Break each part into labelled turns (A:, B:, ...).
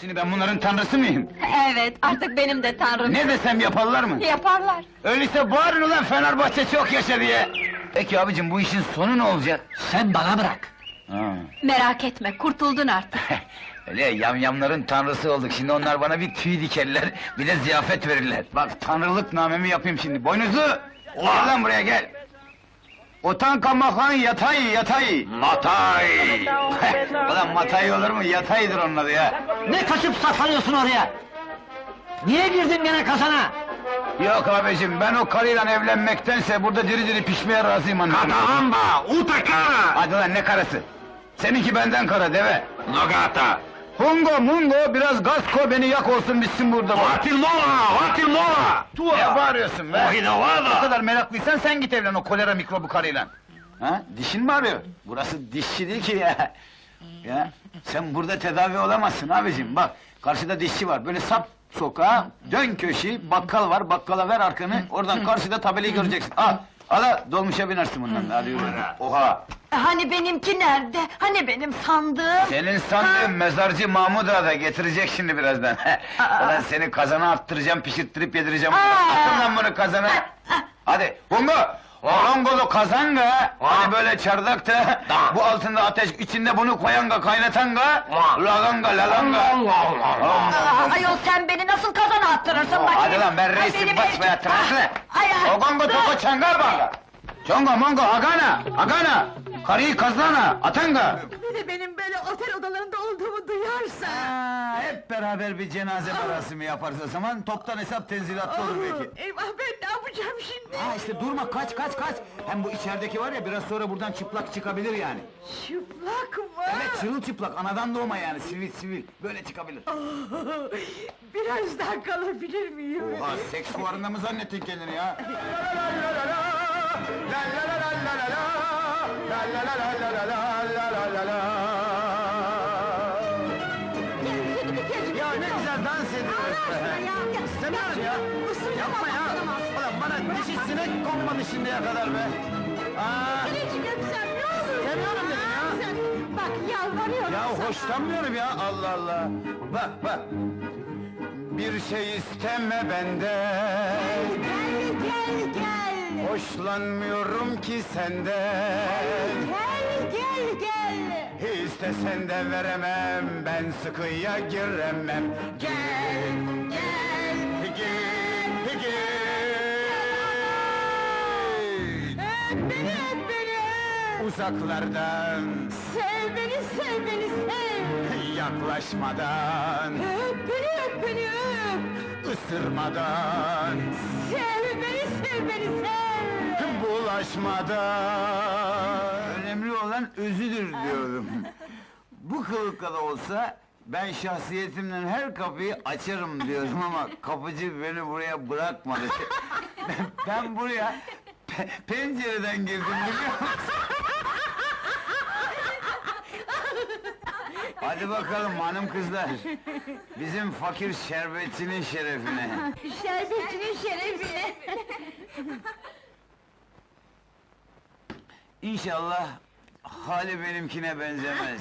A: Şimdi ben bunların tanrısı mıyım?
B: Evet, artık benim de tanrım.
A: Ne desem yaparlar mı?
B: Yaparlar.
A: Öyleyse bağırın ulan Fenerbahçe çok yaşa diye! Peki abicim, bu işin sonu ne olacak?
C: Sen bana bırak.
A: Ha.
B: Merak etme, kurtuldun artık.
A: Öyle yamyamların tanrısı olduk, şimdi onlar bana bir tüy dikerler, bir de ziyafet verirler. Bak, tanrılık namemi yapayım şimdi, boynuzlu! Gel lan buraya, gel! Otankamakan yatay!
D: Matay!
A: Ulan matay olur mu, yataydır onun adı ya!
C: Ne kaçıp saklanıyorsun oraya? Niye girdin gene kazana?
A: Yok abicim, ben o karıyla evlenmektense burada diri diri pişmeye razıyım anladın mı?
D: Katahamba! Utakara!
A: Hadi lan, ne karısı? Seninki benden kara, deve!
D: Nogata!
A: Hungo mungo, biraz gaz koy, beni yak olsun bitsin burada!
D: Vatilmola!
A: Ne bağırıyorsun be? O
D: Ohinavada!
A: kadar meraklıysan sen git evlen o kolera mikrobu karıyla! Ha? Dişin mi ağrıyor? Burası dişçi değil ki ya! Ya, sen burada tedavi olamazsın abicim, bak! Karşıda dişçi var, böyle sap sokağa, dön köşeyi, bakkal var, bakkala ver arkanı, oradan karşıda tabelayı göreceksin! Al! Ala, dolmuşa binersin bundan, hadi yürü! Oha!
B: Hani benimki nerede? Hani benim sandığım?
A: Senin sandığın mezarcı Mahmud Ağa da getirecek şimdi birazdan! Ulan seni kazana attıracağım, pişirttirip yedireceğim! Atın lan bunu kazana! Hadi, Hungo! Orongolu kazanga, hani böyle çardakta, bu altında ateş, içinde bunu koyanga, kaynatanga, laganga, lalanga!
B: Ayol sen beni nasıl kazana attırırsın bakayım?
A: Hadi lan, ben reisim,
B: Benim
A: basmaya
B: eski-
A: tıraşla!
B: Ay, ay,
A: Ogongo
B: dur!
A: toko çanga banga! Çongo mongo agana! Karıyı kazana, atanga!
E: Bir de benim böyle otel odalarında olduğumu duyarsa...
A: Hep beraber bir cenaze merasimi yaparız o zaman, toptan hesap tenzilatlı olur belki.
E: Eyvah, ben ne yapacağım şimdi?
A: Ha işte durma, kaç! Hem bu içerideki var ya, biraz sonra buradan çıplak çıkabilir yani.
E: Çıplak mı?
A: Evet, çırılçıplak, anadan doğma yani, sivil, böyle çıkabilir.
E: Biraz daha kalabilir miyim?
A: Oha, seks fuarında mı zannettin kendini ya? Ya ne güzel dans ediyoruz be! İstemiyorum ya! Yapma ya! Ulan bana dişi sinek konmadı şimdiye kadar be! Aa!
E: Anneciğim öpsem ne olur?
A: İstemiyorum dedim ya!
E: Sen, bak yalvarıyorum
A: Ya
E: sana.
A: hoşlanmıyorum ya, Allah Allah! Bak! Bir şey isteme benden!
E: Gel!
A: Hoşlanmıyorum ki senden!
E: Gel!
A: İstesen de veremem, ben sıkıya giremem!
E: Gel!
A: Gel!
E: Öp beni!
A: Uzaklardan,
E: Sev beni, sev!
A: yaklaşmadan,
E: Öp beni, öp!
A: ısırmadan,
E: Sev beni, sev!
A: bulaşmadan. Önemli olan özüdür diyorum. Bu kılıkla da olsa ben şahsiyetimle her kapıyı açarım diyorum ama kapıcı beni buraya bırakmadı. ben buraya pencereden girdim biliyor musun? Hadi bakalım hanım kızlar. Bizim fakir şerbetçinin şerefine.
E: Şerbetçinin şerefine!
A: İnşallah hali benimkine benzemez.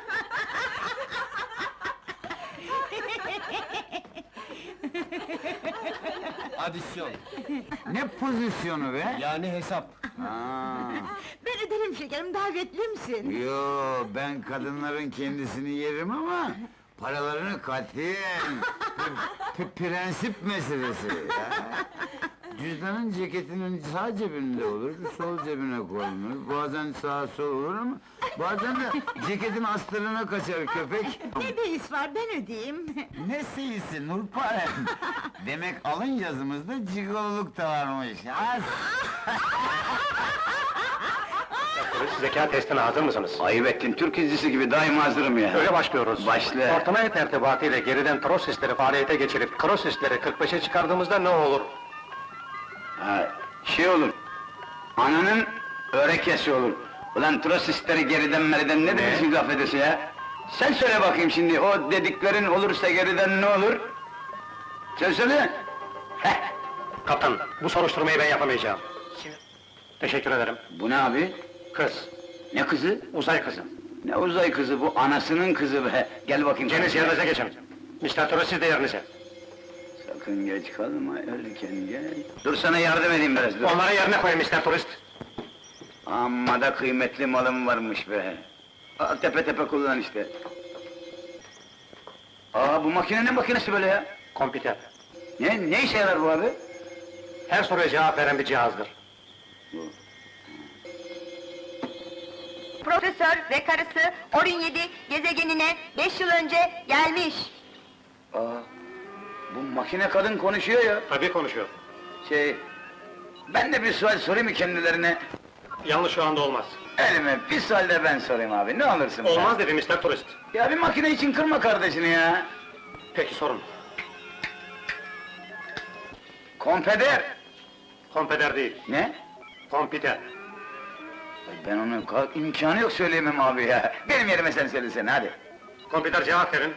D: Adisyon,
A: Ne pozisyonu be?
D: yani hesap.
A: Ha.
E: Ben öderim şekerim, davetli misin?
A: Yo, ben kadınların kendisini yerim ama paralarını katiyen. Prensip meselesi ya. Cüzdanın ceketinin sağ cebinde olur, sol cebine konulur. Bazen sağ sol olur ama bazen de ceketin astarına kaçar köpek.
E: Ne beis var, ben ödeyeyim!
A: Ne seyisi Nurparem! Demek alın yazımızda cigololuk da varmış. Az!
F: Zeka testine hazır mısınız?
A: Ayıp ettin, Türk dizisi gibi daima hazırım ya.
F: Öyle başlıyoruz.
A: Başla.
F: Ortamaya tertibatıyla geriden trosisleri faaliyete geçirip krosisleri 45'e çıkardığımızda ne olur?
A: Ha, şey olur, ananın örekesi olur. Ulan trosistleri geriden meriden ne demişsin laf edesi ya? Sen söyle bakayım şimdi, o dediklerin olursa geriden ne olur? Sen söyle! Heh!
F: Kaptan, bu soruşturmayı ben yapamayacağım. Teşekkür ederim.
A: Bu ne abi?
F: Kız,
A: Ne kızı?
F: uzay kızı.
A: Ne uzay kızı bu, anasının kızı be! Gel bakayım.
F: Cenis yerinize geçin. Mr. Tourist siz de yerinize.
A: Sakın geç kalma, erken gel. Dur sana yardım edeyim biraz, dur.
F: Onları yerine koyun Mr. Tourist.
A: Amma da kıymetli malım varmış be. Al tepe tepe kullan işte. Aa, bu makine ne makinesi böyle ya?
F: Kompüter.
A: Ne işe yarar bu abi?
F: Her soruya cevap veren bir cihazdır.
B: Profesör ve karısı Orin 7 gezegenine 5 yıl önce gelmiş.
A: Aa, bu makine kadın konuşuyor ya.
F: Tabii konuşuyor.
A: Ben de bir sual sorayım mı kendilerine?
F: Yalnız şu anda olmaz.
A: Elime bir sual de ben sorayım abi, ne olursun be?
F: Olmaz dedi Mr. Tourist.
A: Ya bir makine için kırma kardeşini ya.
F: Peki sorun.
A: Konfeder.
F: Kompüter değil,
A: Ne?
F: kompüter.
A: Ay, ben onu imkanı yok söyleyemem abi ya. Benim yerime sen söylesene hadi.
F: Kompüter cevap verin.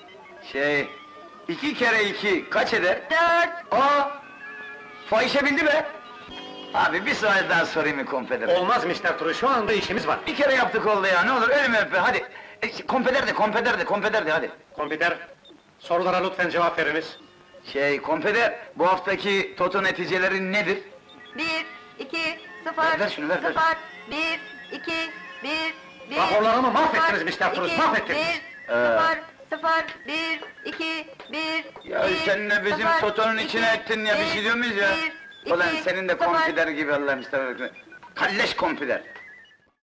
A: 2 kere 2 kaç eder?
B: 4.
A: Aa! Fahişe bildi be! Abi bir sual daha sorayım mı konfeder?
F: Olmaz Mr. Tourist, şu anda işimiz var.
A: Bir kere yaptık oldu ya, ne olur ölümü öpe, hadi! Konfeder de, hadi!
F: Kompüter, sorulara lütfen cevap veriniz.
A: Konfeder, bu haftaki toto neticeleri nedir?
B: 1, 2, 0,
A: Ver şunu, ver.
B: 0, 1, 2, 1, 1.
F: Raporlarımı mahvettiniz Mr. Tourist, mahvettiniz.
B: 0, 0, 1, 2, 1,
A: Ya sen de bizim totonun içine ettin ya, bir şey diyor muyuz ya? Ulan senin de konfider gibi Allah'ım işte. Kalleş konfider!